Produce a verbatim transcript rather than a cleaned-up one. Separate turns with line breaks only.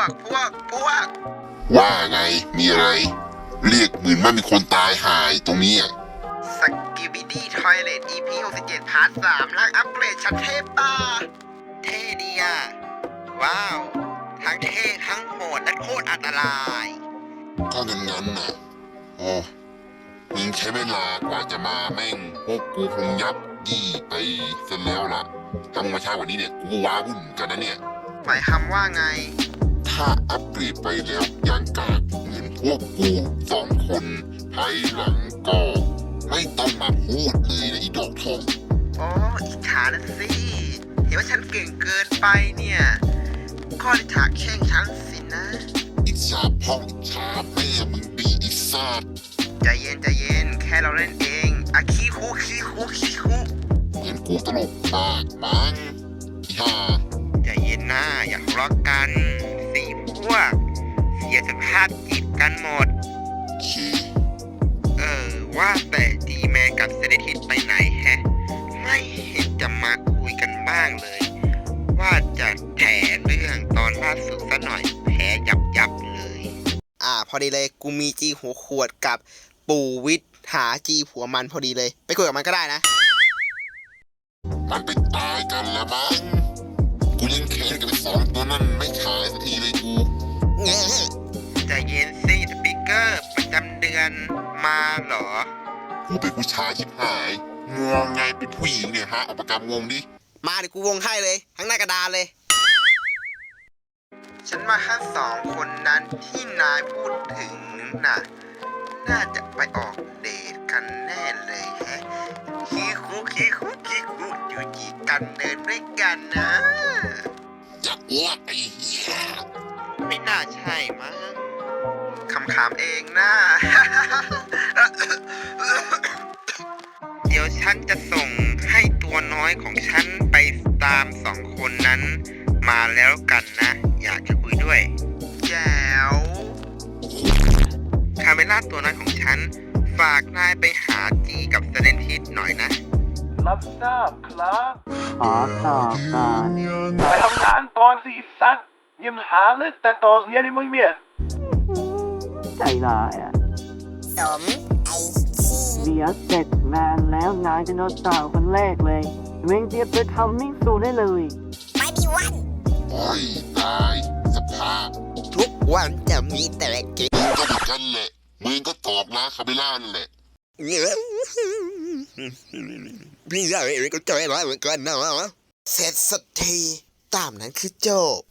กพวกพวก
ว่าไงมีอะไรเรียกเหมือนว่ามีคนตายหายตรงนี้อ่ะ
สกิบิดี้ทอยเลต อี พี หกสิบเจ็ดพาร์ทสามร่างอัปเกรดชั้นเทพป่าเท่ดีอ่ะว้าวทั้งเท่ทั้งโหดและโคตรอันตราย
ก็งั้นงั้นน่ะโอ้มึงใช้เวลากว่าจะมาแม่งพวกกูคงยับยี่ไปเสร็จแล้วล่ะทำมาช้ากว่านี้เนี่ยกูว้าวุ่นกันนะเนี่ย
หมายความว่าไง
ถ้าอัปเกรดไปแล้วยังกากเหมือนพวกกูสองคนภายหลังก็ไม่ต้องมาพูดเลยนะอีดอกทอง
อ๋ออิจฉานะสิเห็นว่าฉันเก่งเกินไปเนี่ยข้อฉากแช่งฉันสินะ
อิจฉาพ่ออิจฉาแม่มึงดีอีสัตว์
ใจเย็นใจเย็นแค่เราเล่นเองอะขี้คุขี้คุขี้คุ
เหมือนกูตลกมากมั้งอีห่า
ใจเย็นนะอย่าทะเลาะกันสี่พวกเสียสภาพจิตกันหมด
ชี
เออว่าแต่ดีแมนกับเซเลทิสไปไหนแฮะไม่เห็นจะมาคุยกันบ้างเลยว่าจะแถเรื่องตอนล่าสุดซะหน่อยแผลยับยับเลยอ่าพอดีเลยกูมีจีหัวขวดกับปู่วิทย์หาจีหัวมันพอดีเลยไปคุยกับมันก็ได้นะ
มันไปตายกันแล้วมั้งกูยังแค้นกับไอ้สองตัวนั้นไม่ขายสักทีเลยกู
เงี้ยใจเย็นสิสปีกเกอร์ประจำเดือนมาเหรอ
กูเป็นผู้ชายชิบหายงวงไงเป็นผู้หญิงเนี่ยฮะเอาปากกาวงดิ
มาเดี๋ยวกูวงให้เลยทั้งหน้ากระดานเลยฉันมาแค่สองคนนั้นที่นายพูดถึงน่ะน่าจะไปออกเดทกันแน่เลยแฮะขี้คุขี้คุขี้คุอยู่จีกันเดินด้วยกันนะ
จะอ้วกไอ้เหี้ย
ไม่น่าใช่มั้งคำถามเองนะ เดี๋ยวฉันจะส่งให้ตัวน้อยของฉันไปตามสองคนนั้นมาแล้วกันนะอยากจะคุยด้วยแจ๋วคาเมล่าตัวน้อยของฉันฝากนายไปหาจีกับเซเลนทิสหน่อยนะ
รับทราบครับ
ขอตอบก่อน
ไปทำงานตอนสี่สันยังหาเลือกแต่ตอนเรียนไม่เมีย
ใจร้ายอ่ะ
สมไอชี
เดี๋ยวเสร็จงานแล้วนายจะโดนสาวคนแรกเลยเม่งเจียบไปทำมิ่งสูได้เลย
ไม่มีวัน
โอ้ยตายสภาพ
ทุกวันจะมีแต่เกม
มึงก็เหมือนกันแหละมึงก็ตอบนะคาเบล่านั่นแหละ
พี่ชายเองก็ใจร้ายเหมือนกันนะเสร็จสักทีตามนั้นคือจบ